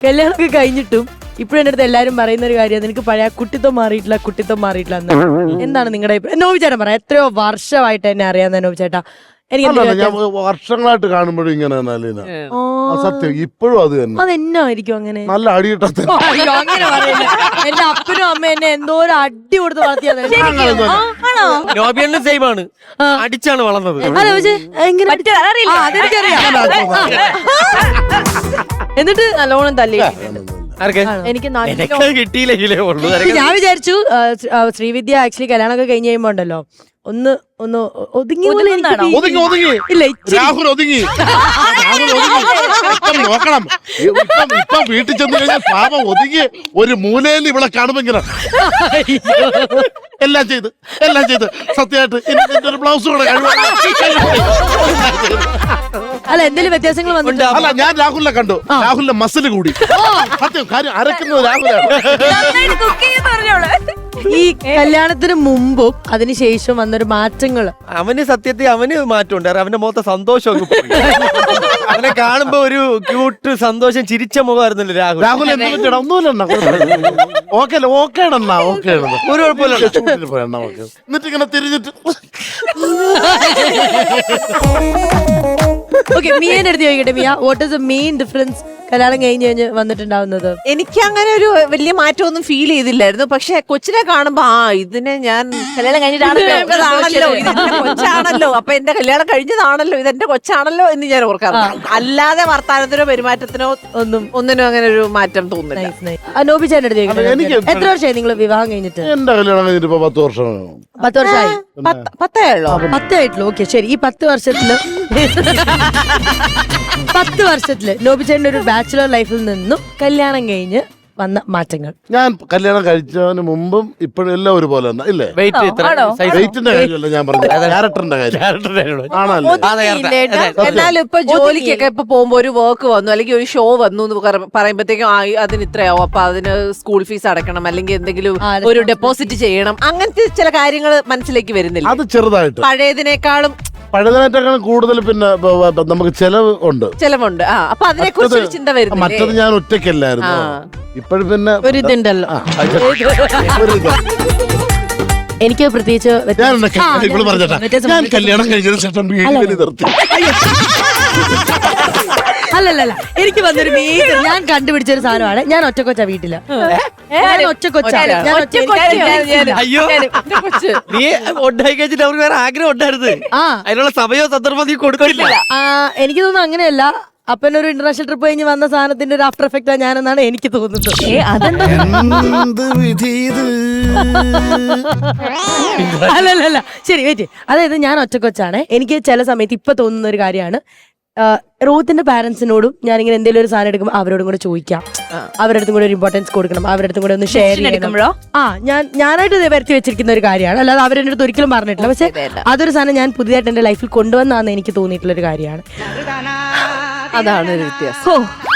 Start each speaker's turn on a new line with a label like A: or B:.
A: കല്യാണമൊക്കെ കഴിഞ്ഞിട്ടും ഇപ്പഴും എന്റെ അടുത്ത് എല്ലാരും പറയുന്ന ഒരു കാര്യം, നിനക്ക് പഴയ കുട്ടിത്വം മാറിയിട്ടില്ല എന്ന്. എന്താണ് നിങ്ങളുടെ അഭിപ്രായം? നോബി ചേട്ടൻ പറയാം, എത്രയോ വർഷമായിട്ട് എന്നെ അറിയാവുന്ന നോബി ചേട്ടാ.
B: ഞാൻ വർഷങ്ങളായിട്ട് കാണുമ്പോഴും ഇങ്ങനെ തന്നെ അലീന. സത്യം, ഇപ്പോഴും അത് തന്നെ.
A: അതെന്നായിരിക്കും അങ്ങനെ?
B: നല്ല അടിയിട്ടത്തെ.
A: അങ്ങനെ പറയില്ല. എന്റെ അപ്പനും അമ്മ എന്നെ എന്തോ ഒരു അടി കൊടുത്ത് വളർത്തിയത്.
C: നോബിയണ്ണും സെയിം ആണ്, അടിച്ചാണ് വളർന്നത്.
A: എന്നിട്ട് നല്ലോണം തല്ലി. എനിക്ക്
C: കിട്ടിയില്ലെങ്കിലേ ഉള്ളൂ.
A: ഞാൻ വിചാരിച്ചു ശ്രീവിദ്യ ആക്ച്വലി കല്യാണമൊക്കെ കഴിഞ്ഞ് കഴിയുമ്പോ ഉണ്ടല്ലോ ഒന്ന് ഒതുങ്ങി ഇല്ല.
B: രാഹുൽ ഒതുങ്ങി നോക്കണം. ഇപ്പൊ വീട്ടിൽ ചെന്ന് കഴിഞ്ഞാൽ പാപം ഒതുങ്ങി ഒരു മൂലയിൽ ഇവിടെ കാണുമ്പോ ഇങ്ങനെ എല്ലാം ചെയ്ത് സത്യമായിട്ട് ഒരു ബ്ലൗസ് കൂടെ
A: അല്ല എന്തെങ്കിലും വ്യത്യാസങ്ങൾ വന്നിട്ട്.
B: അല്ല, ഞാൻ രാഹുലിനെ കണ്ടു. രാഹുലിന്റെ മസിൽ കൂടി. സത്യം, കാര്യം അരക്കുന്നത് രാഹുലാണ്.
A: ഈ കല്യാണത്തിന് മുമ്പും അതിനുശേഷം വന്നൊരു മാറ്റങ്ങള്
C: അവന് സത്യത്തിൽ അവന് മാറ്റമുണ്ട്. അവന്റെ മുഖത്തെ സന്തോഷം അവനെ കാണുമ്പോ ഒരു ക്യൂട്ട് സന്തോഷം ചിരിച്ച മുഖമായിരുന്നല്ലോ രാഹുൽ.
B: രാഹുൽ എന്ത് ഒന്നുമില്ല, ഓക്കെ
C: ഒരു കുഴപ്പമില്ല.
B: എന്നിട്ട് ഇങ്ങനെ തിരിഞ്ഞിട്ട്
A: മിയന്റെ അടുത്ത് ചോദിക്കട്ടെ, Mia, what is the main difference കല്യാണം കഴിഞ്ഞ് വന്നിട്ടുണ്ടാവുന്നത്?
D: എനിക്ക് അങ്ങനെ ഒരു വലിയ മാറ്റമൊന്നും ഫീൽ ചെയ്തില്ലായിരുന്നു. പക്ഷെ കൊച്ചിനെ കാണുമ്പോ ഇതിനെ ഞാൻ കല്യാണം കഴിഞ്ഞിട്ടാണല്ലോ, ഇതെന്റെ കൊച്ചാണല്ലോ, അപ്പൊ എന്റെ കല്യാണം കഴിഞ്ഞതാണല്ലോ, ഇതെന്റെ കൊച്ചാണല്ലോ എന്ന് ഞാൻ ഓർക്കാറുണ്ട്. അല്ലാതെ വർത്താനത്തിനോ പെരുമാറ്റത്തിനോ ഒന്നിനും അങ്ങനെ ഒരു മാറ്റം തോന്നുന്നില്ല.
A: നോബി ചേട്ടൻ അടുത്ത് ചോദിക്കട്ടെ, എത്ര വർഷമായി നിങ്ങൾ വിവാഹം കഴിഞ്ഞിട്ട്?
B: എന്റെ കല്യാണം കഴിഞ്ഞിട്ട് 10 വർഷം.
A: 10 വർഷമായി?
D: 10
A: ആയിട്ടുള്ളൂ. ഓക്കെ, ശരി. ഈ 10 വർഷത്തില് 10 വർഷത്തില് നോബി ചേട്ടൻ ഒരു ബാച്ചുലർ ലൈഫിൽ നിന്നും കല്യാണം കഴിഞ്ഞ് വന്ന മാറ്റങ്ങൾ?
B: ഞാൻ കല്യാണം കഴിച്ചതിന് മുമ്പും ഇപ്പോഴും എല്ലാം ഒരുപോലെ തന്നെ ഇല്ലേ? വെയിറ്റിന്റെ കാര്യമല്ല ഞാൻ പറഞ്ഞത്, ക്യാരക്ടറിന്റെ കാര്യം ആണല്ലോ.
D: എന്നാലും ഇപ്പൊ ജോലിക്കൊക്കെ ഇപ്പൊ പോകുമ്പോ ഒരു വർക്ക് വന്നു അല്ലെങ്കിൽ ഒരു ഷോ വന്നു എന്ന് പറയുമ്പോഴത്തേക്കും അതിന് ഇത്രയാവും, അപ്പൊ അതിന് സ്കൂൾ ഫീസ് അടക്കണം അല്ലെങ്കിൽ എന്തെങ്കിലും ഒരു ഡെപ്പോസിറ്റ് ചെയ്യണം, അങ്ങനത്തെ ചില കാര്യങ്ങൾ മനസ്സിലേക്ക് വരുന്നില്ല.
B: അത് ചെറുതായിട്ട്
D: പഴയതിനേക്കാളും
B: കൂടുതൽ പിന്നെ നമുക്ക് ചെലവുണ്ട്.
D: അപ്പൊ അതിനെ കുറിച്ച് ചിന്ത വരുന്നു.
B: മറ്റത് ഞാൻ ഒറ്റയ്ക്കല്ലായിരുന്നു, ഇപ്പോഴും പിന്നെ
A: ഒരിതുണ്ടല്ലോ. എനിക്ക് പ്രത്യേകിച്ച്
B: ഞാൻ കല്യാണം കഴിഞ്ഞതിന് ശേഷം നിർത്തി.
A: അല്ലല്ല, എനിക്ക് വന്നൊരു മേജർ ഞാൻ കണ്ടുപിടിച്ചൊരു സാധനമാണ്. ഞാൻ ഒറ്റക്കൊച്ച വീട്ടില്.
C: അയ്യോ, നീ ഉണ്ടായി കഴിച്ചിട്ട് അവർക്ക് വേറെ ആഗ്രഹം ഉണ്ടായിരുന്നു, അതിനുള്ള സമയോ സന്ദർഭം നീ കൊടുക്കില്ല.
A: എനിക്ക് തോന്നുന്നു അങ്ങനെയല്ല, അപ്പനൊരു ഇന്റർനാഷണൽ ട്രിപ്പ് കഴിഞ്ഞ് വന്ന സാധനത്തിന്റെ ഒരു ആഫ്റ്റർ എഫക്റ്റാ ഞാനെന്നാണ് എനിക്ക് തോന്നുന്നത്. അല്ലല്ല, ശരി, വെയിറ്റ്. അതായത് ഞാൻ ഒറ്റക്കൊച്ചാണ്. എനിക്ക് ചില സമയത്ത് ഇപ്പൊ തോന്നുന്ന ഒരു കാര്യമാണ്, റോത്തിന്റെ പാരന്റ്സിനോടും ഞാനിങ്ങനെ എന്തെങ്കിലും ഒരു സാധനം എടുക്കുമ്പോൾ അവരോടും കൂടെ ചോദിക്കാം, അവരുടെ അടുത്തും കൂടെ ഒരു ഇമ്പോർട്ടൻസ് കൊടുക്കണം, അവരുടെ അടുത്തും കൂടെ ഒന്ന് ഷെയർ ചെയ്യണം. ഞാനായിട്ട് ഇത് വരുത്തി വെച്ചിരിക്കുന്ന ഒരു കാര്യമാണ്, അല്ലാതെ അവരെന്റെ അടുത്ത് ഒരിക്കലും പറഞ്ഞിട്ടില്ല. പക്ഷെ അതൊരു സാധനം ഞാൻ പുതിയതായിട്ട് എന്റെ ലൈഫിൽ കൊണ്ടുവന്നാന്ന് എനിക്ക് തോന്നിയിട്ടുള്ള ഒരു കാര്യമാണ്.
D: അതാണ് ഒരു വ്യത്യാസം.